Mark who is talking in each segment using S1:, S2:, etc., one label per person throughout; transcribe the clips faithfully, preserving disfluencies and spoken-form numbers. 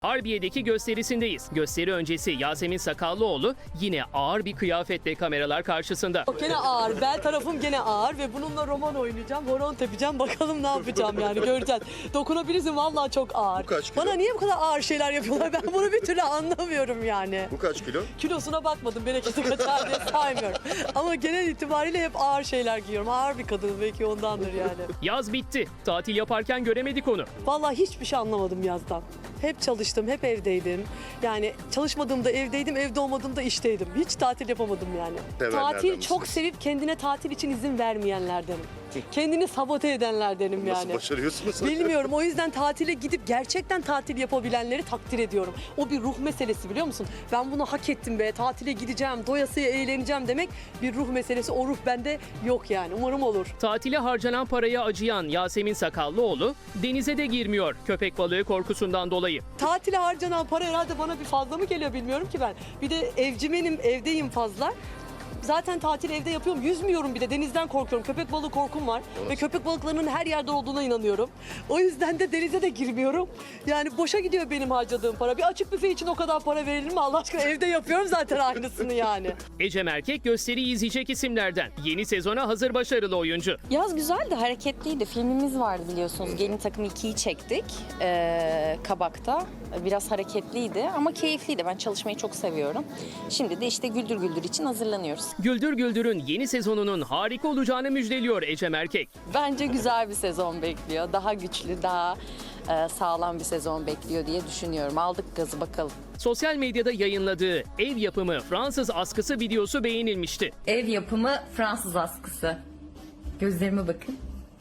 S1: Harbiye'deki gösterisindeyiz. Gösteri öncesi Yasemin Sakallıoğlu yine ağır bir kıyafetle kameralar karşısında.
S2: Gene ağır. Bel tarafım gene ağır ve bununla roman oynayacağım. Horon tepeceğim. Bakalım ne yapacağım yani göreceğiz. Dokunabilirsin vallahi çok ağır.
S3: Bu kaç kilo?
S2: Bana niye bu kadar ağır şeyler yapıyorlar? Ben bunu bir türlü anlamıyorum yani.
S3: Bu kaç kilo?
S2: Kilosuna bakmadım. Bereketi kaçar diye saymıyorum. Ama genel itibariyle hep ağır şeyler giyiyorum. Ağır bir kadın belki ondandır yani.
S1: Yaz bitti. Tatil yaparken göremedik onu.
S2: Vallahi hiçbir şey anlamadım yazdan. Hep çalıştım, hep evdeydim. Yani çalışmadığımda evdeydim, evde olmadığımda işteydim. Hiç tatil yapamadım yani.
S3: Sevenlerden
S2: Tatil
S3: misiniz?
S2: çok sevip kendine tatil için izin vermeyenlerdenim. Kendini sabote edenlerdenim
S3: Nasıl
S2: yani.
S3: başarıyorsunuz?
S2: Bilmiyorum. O yüzden tatile gidip gerçekten tatil yapabilenleri takdir ediyorum. O bir ruh meselesi biliyor musun? Ben bunu hak ettim be. Tatile gideceğim, doyasıya eğleneceğim demek bir ruh meselesi. O ruh bende yok yani. Umarım olur.
S1: Tatile harcanan paraya acıyan Yasemin Sakallıoğlu denize de girmiyor köpek balığı korkusundan dolayı.
S2: Tatile harcanan para herhalde bana bir fazla mı geliyor bilmiyorum ki ben. Bir de evcimenim, evdeyim fazla. Zaten tatil evde yapıyorum. Yüzmüyorum bir de. Denizden korkuyorum. Köpek balığı korkum var. Ve köpek balıklarının her yerde olduğuna inanıyorum. O yüzden de denize de girmiyorum. Yani boşa gidiyor benim harcadığım para. Bir açık büfe için o kadar para verilir mi? Allah aşkına evde yapıyorum zaten aynısını yani.
S1: Ecem Erkek gösteriyi izleyecek isimlerden. Yeni sezona hazır başarılı oyuncu.
S4: Yaz güzeldi, hareketliydi. Filmimiz vardı biliyorsunuz. Gelin Takım ikiyi çektik ee, Kabak'ta. Biraz hareketliydi ama keyifliydi. Ben çalışmayı çok seviyorum. Şimdi de işte Güldür Güldür için hazırlanıyoruz.
S1: Güldür Güldür'ün yeni sezonunun harika olacağını müjdeliyor Ecem Erkek.
S4: Bence güzel bir sezon bekliyor. Daha güçlü, daha e, sağlam bir sezon bekliyor diye düşünüyorum. Aldık gazı bakalım.
S1: Sosyal medyada yayınladığı ev yapımı Fransız askısı videosu beğenilmişti.
S5: Ev yapımı Fransız askısı. Gözlerime bakın.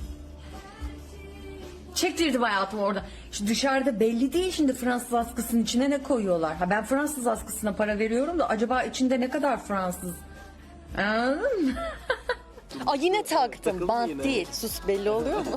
S5: Çektirdim hayatım orada. Şu dışarıda belli değil şimdi Fransız askısının içine ne koyuyorlar. Ha ben Fransız askısına para veriyorum da acaba içinde ne kadar Fransız? Anladın mı?
S4: Aa, yine taktım. Bant değil. Sus, belli oluyor mu?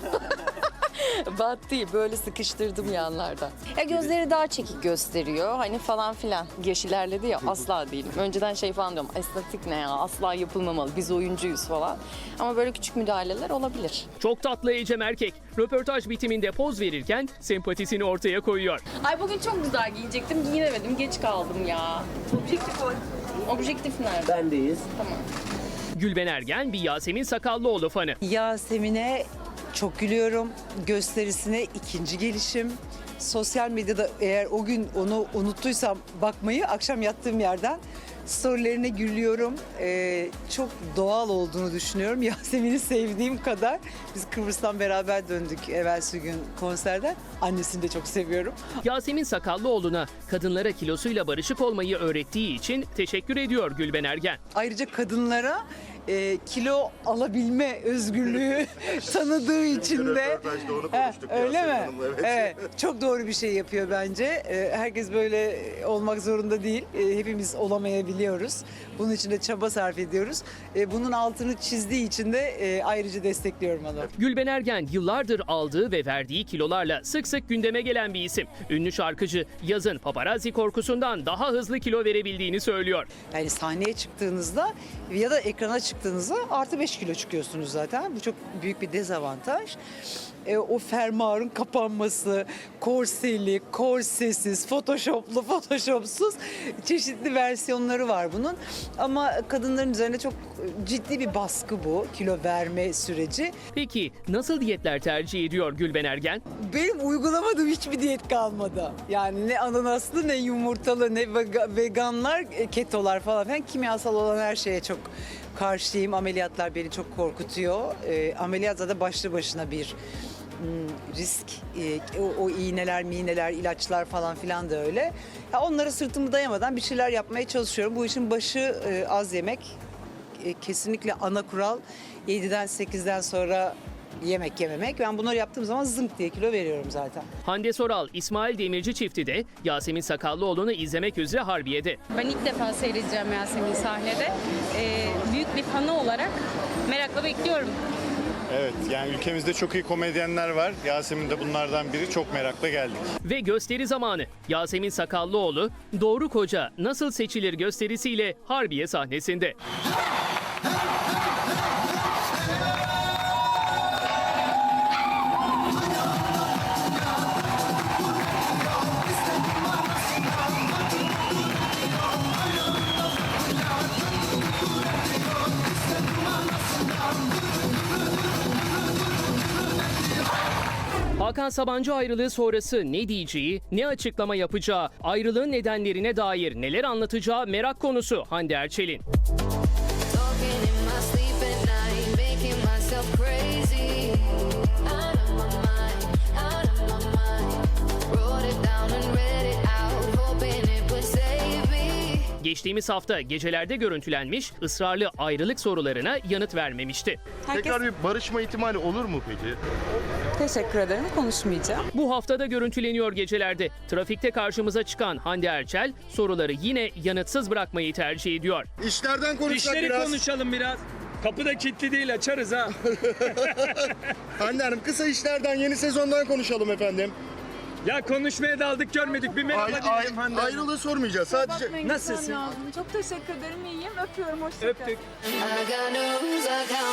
S4: Bant değil. Böyle sıkıştırdım yanlardan. Ya gözleri daha çekik gösteriyor. Hani falan filan. Yaş ilerledi ya, asla değilim. Önceden şey falan diyorum. Estetik ne ya? Asla yapılmamalı. Biz oyuncuyuz falan. Ama böyle küçük müdahaleler olabilir.
S1: Çok tatlı Ecem Erkek. Röportaj bitiminde poz verirken sempatisini ortaya koyuyor.
S4: Ay bugün çok güzel giyecektim. Giyinemedim. Geç kaldım ya. Objektif o. Objektif nerede?
S6: Bendeyiz.
S4: Tamam.
S1: Gülben Ergen bir Yasemin Sakallıoğlu fanı.
S7: Yasemin'e çok gülüyorum. Gösterisine ikinci gelişim. Sosyal medyada eğer o gün onu unuttuysam bakmayı akşam yattığım yerden storylerine gülüyorum. Ee, çok doğal olduğunu düşünüyorum. Yasemin'i sevdiğim kadar. Biz Kıbrıs'tan beraber döndük evvelsi gün konserden. Annesini de çok seviyorum.
S1: Yasemin Sakallıoğlu'na kadınlara kilosuyla barışık olmayı öğrettiği için teşekkür ediyor Gülben Ergen.
S7: Ayrıca kadınlara e, kilo alabilme özgürlüğü tanıdığı için de.
S3: Röportajda onu
S7: He,
S3: konuştuk
S7: öyle
S3: Yasemin
S7: mi?
S3: Hanım'la, evet.
S7: Evet, çok doğru bir şey yapıyor bence. E, herkes böyle olmak zorunda değil. E, hepimiz olamayabiliyoruz. Bunun için de çaba sarf ediyoruz. E, bunun altını çizdiği için de e, ayrıca destekliyorum onu.
S1: Gülben Ergen yıllardır aldığı ve verdiği kilolarla sık sık gündeme gelen bir isim. Ünlü şarkıcı yazın paparazzi korkusundan daha hızlı kilo verebildiğini söylüyor.
S7: Yani sahneye çıktığınızda ya da ekrana çıktığınızda artı beş kilo çıkıyorsunuz zaten. Bu çok büyük bir dezavantaj. E, o fermuarın kapanması, korseli, korsesiz, photoshoplu, photoshopsuz çeşitli versiyonları var bunun. Ama kadınların üzerine çok ciddi bir baskı bu kilo verme süreci.
S1: Peki nasıl diyetler tercih ediyor Gülben Ergen?
S7: Benim uygulamadığım hiçbir diyet kalmadı. Yani ne ananaslı ne yumurtalı ne vega- veganlar, e, ketolar falan filan kimyasal olan her şeye çok karşıyım. Ameliyatlar beni çok korkutuyor. E, ameliyat zaten başlı başına bir hmm, risk. E, o, o iğneler, miğneler, ilaçlar falan filan da öyle. Ya onlara sırtımı dayamadan bir şeyler yapmaya çalışıyorum. Bu işin başı e, az yemek. E, kesinlikle ana kural yediden sekizden sonra yemek yememek. Ben bunları yaptığım zaman zınk diye kilo veriyorum zaten.
S1: Hande Soral, İsmail Demirci çifti de Yasemin Sakallıoğlu'nu izlemek üzere Harbiye'de.
S8: Ben ilk defa seyredeceğim Yasemin sahnede. Ee, büyük bir fanı olarak merakla bekliyorum.
S9: Evet, yani ülkemizde çok iyi komedyenler var. Yasemin de bunlardan biri. Çok merakla geldik.
S1: Ve gösteri zamanı. Yasemin Sakallıoğlu, Doğru Koca Nasıl Seçilir gösterisiyle Harbiye sahnesinde. Hakan Sabancı ayrılığı sonrası ne diyeceği, ne açıklama yapacağı, ayrılığın nedenlerine dair neler anlatacağı merak konusu Hande Erçel'in.
S3: Talking in my sleep at night, making myself crazy. Out of my mind, out of my mind. Wrote it down and read it out, hoping it would save me.
S1: Geçtiğimiz hafta gecelerde görüntülenmiş, ısrarlı ayrılık sorularına yanıt vermemişti.
S6: Tekrar bir barışma ihtimali olur mu peki?
S10: Teşekkür ederim. Konuşmayacağım.
S1: Bu haftada görüntüleniyor gecelerde. Trafikte karşımıza çıkan Hande Erçel soruları yine yanıtsız bırakmayı tercih ediyor.
S6: İşlerden konuşsak
S11: İşleri
S6: biraz.
S11: konuşalım biraz. Kapı da kilitli değil, açarız ha.
S6: Hande Hanım, kısa işlerden, yeni sezondan konuşalım efendim.
S11: Ya konuşmaya daldık görmedik. Bir merhaba
S6: Ay,
S11: diyelim
S6: ay,
S11: Hande Hanım.
S6: ayrılığı sormayacağız. Sadece
S11: Nasılsın?
S10: Çok teşekkür ederim. İyiyim. Öpüyorum. Hoşça
S11: Öptük.
S3: I got no rules, I got